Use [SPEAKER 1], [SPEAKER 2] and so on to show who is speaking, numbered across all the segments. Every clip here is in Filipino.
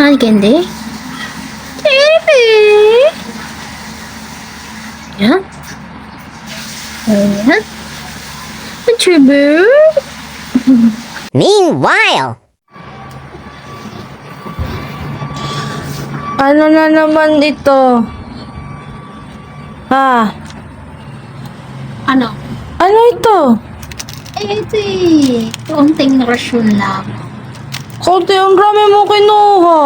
[SPEAKER 1] ni Candy? Candy! Yan. Ayan. Tribute.
[SPEAKER 2] Meanwhile,
[SPEAKER 3] Ano na naman ito? Ha?
[SPEAKER 1] Ano?
[SPEAKER 3] Ano ito?
[SPEAKER 1] Ito eh. Kaunting rasyon lang.
[SPEAKER 3] Konti ang rami mo kinuha.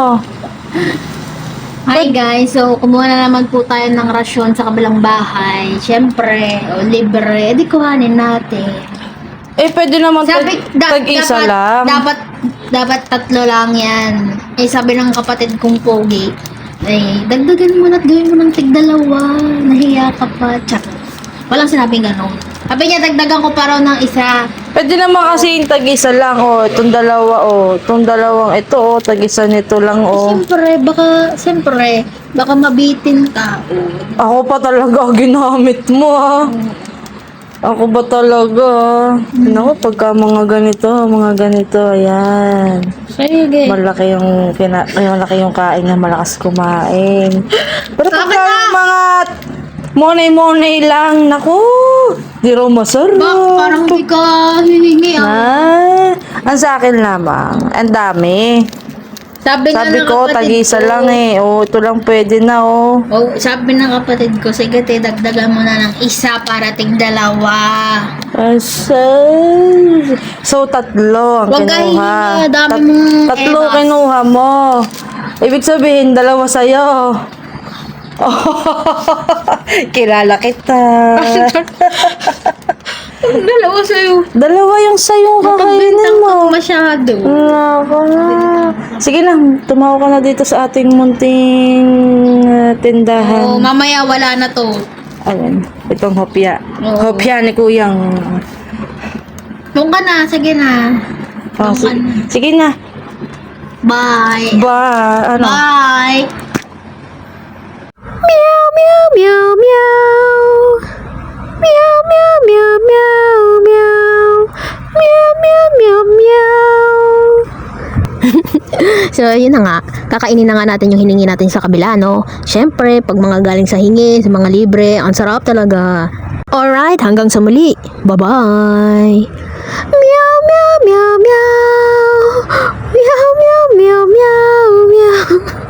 [SPEAKER 1] Hi guys, so kumuha na naman po tayo ng rasyon sa kabilang bahay. Siyempre, libre, edi kuhanin natin.
[SPEAKER 3] Pwede naman tag-isa lang.
[SPEAKER 1] Dapat tatlo lang yan. Sabi ng kapatid kong pogi, dagdagan mo na at gawin mo ng tig-dalawa. Nahiya ka pa. Tsak. Walang sinabing ganun. Sabi niya, dagdagan ko pa raw ng isa.
[SPEAKER 3] Pwede naman kasi yung tag-isa lang. Itong dalawa. Itong dalawang ito. Tag-isa nito lang.
[SPEAKER 1] Siyempre, baka mabitin ka.
[SPEAKER 3] Ako pa talaga ginamit mo Ako ba talaga? Naku, pagka mga ganito, ayan.
[SPEAKER 1] Sige.
[SPEAKER 3] Malaki yung kain na malakas kumain. Pero pagka yung mga monay-monay lang, naku, di raw masarap.
[SPEAKER 1] Parang di ka hihingi
[SPEAKER 3] Ang sa akin lamang, ang dami.
[SPEAKER 1] Sabi ng
[SPEAKER 3] ko,
[SPEAKER 1] kapatid
[SPEAKER 3] tag-isa
[SPEAKER 1] ko,
[SPEAKER 3] lang ito lang pwede na
[SPEAKER 1] sabi ng kapatid ko, sige dagdagan mo na ng isa para tig-dalawa.
[SPEAKER 3] So, tatlo ang
[SPEAKER 1] Huwag ka
[SPEAKER 3] kinuha.
[SPEAKER 1] hihingi, dami mong
[SPEAKER 3] Tatlo
[SPEAKER 1] eras.
[SPEAKER 3] kinuha mo. Ibig sabihin, dalawa sa'yo. Kilala kita.
[SPEAKER 1] Dalawa sa'yo.
[SPEAKER 3] Dalawa yung sa'yo kakainin
[SPEAKER 1] Makagbintang
[SPEAKER 3] mo.
[SPEAKER 1] ka masyado.
[SPEAKER 3] Nako na. Sige na, tumawa ka na dito sa ating munting tindahan.
[SPEAKER 1] Mamaya wala na to.
[SPEAKER 3] Ayan, itong hopya.
[SPEAKER 1] Oo.
[SPEAKER 3] Hopya ni Kuyang.
[SPEAKER 1] Doon ka na, sige na. Doon ka na.
[SPEAKER 3] Sige na.
[SPEAKER 1] Bye.
[SPEAKER 3] Ano?
[SPEAKER 1] Bye.
[SPEAKER 2] meow, meow, meow, meow. Meow, meow, meow, meow, meow. Meow, meow, meow, meow.
[SPEAKER 1] So, yun na nga. Kakainin na nga natin yung hiningi natin sa kabila, no? Siyempre, pag mga galing sa hingi, sa mga libre, ang sarap talaga. Alright, hanggang sa muli. Bye-bye.
[SPEAKER 2] Meow, meow, meow, meow. Meow, meow, meow, meow, meow.